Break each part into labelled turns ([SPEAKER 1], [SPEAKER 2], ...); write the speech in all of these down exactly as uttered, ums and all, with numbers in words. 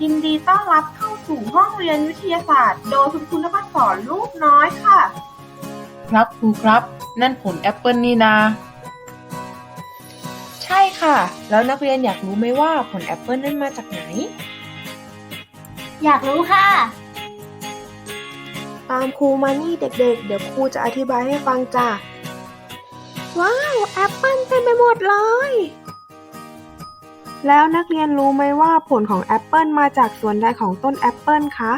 [SPEAKER 1] ยินดีต้อนรับเข้าสู่ห้องเรียนวิทยาศาสตร์โดยคุณครูนภัสสรลูกน้อยค่ะ
[SPEAKER 2] ครับครูครับนั่นผลแอปเปิลนี่นาใช่ค่ะแล้วนักเรียนอยากรู้ไหมว่าผลแอปเปิลนั้นมาจากไหน
[SPEAKER 3] อยากรู้ค่ะ
[SPEAKER 4] ตามครูมานี่เด็กๆ เดี๋ยวครูจะอธิบายให้ฟังจ้ะว้าวแอปเปิลเต็มไปหมดเลยแล้วนักเรียนรู้ไหมว่าผลของแอปเปิลมาจากส่วนใดของต้นแอปเปิลคะ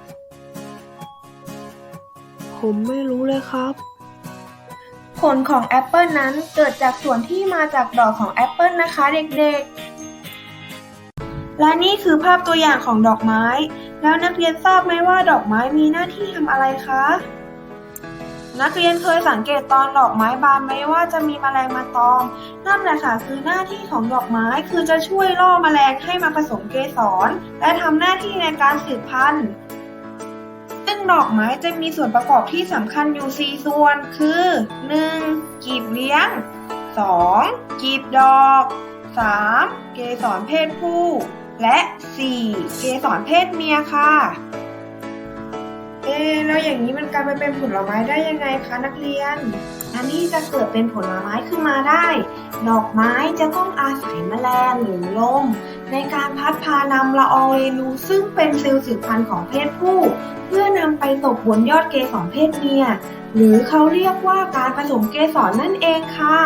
[SPEAKER 4] ผมไม่รู้เลยครับ
[SPEAKER 1] ผลของแอปเปิลนั้นเกิดจากส่วนที่มาจากดอกของแอปเปิลนะคะเด็กๆและนี่คือภาพตัวอย่างของดอกไม้แล้วนักเรียนทราบไหมว่าดอกไม้มีหน้าที่ทำอะไรคะนักเรียนเคยสังเกตตอนดอกไม้บานไหมว่าจะมีแมลงมาตอมนั่นแหละค่ะคือหน้าที่ของดอกไม้คือจะช่วยล่อแมลงให้มาผสมเกสรและทำหน้าที่ในการสืบพันธุ์ซึ่งดอกไม้จะมีส่วนประกอบที่สำคัญอยู่สี่ส่วนคือ หนึ่ง กีบเลี้ยง สอง กีบดอก สาม เกสรเพศผู้และ สี่ เกสรเพศเมียค่ะเอ๊ะแล้วอย่างนี้มันกลายไปเป็นผลไม้ได้ยังไงคะนักเรียนอันนี้จะเกิดเป็นผลไม้ขึ้นมาได้ดอกไม้จะต้องอาศัยแมลงหรือลมในการพัดพานำละอองเรนูซึ่งเป็นเซลล์สืบพันธุ์ของเพศผู้เพื่อนำไปตกบนยอดเกสรเพศเมียหรือเขาเรียกว่าการผสมเกสรนั่นเองค่ะ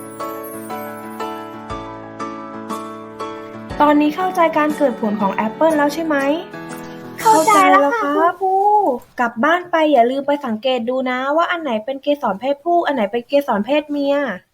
[SPEAKER 1] ตอนนี้เข้าใจการเกิดผลของแอปเปิลแล้วใช่ไหม
[SPEAKER 4] เข้าใจแล้วค่ะ
[SPEAKER 1] คุณครูกลับบ้านไปอย่าลืมไปสังเกตดูนะว่าอันไหนเป็นเกสรเพศผู้อันไหนเป็นเกสรเพศเมีย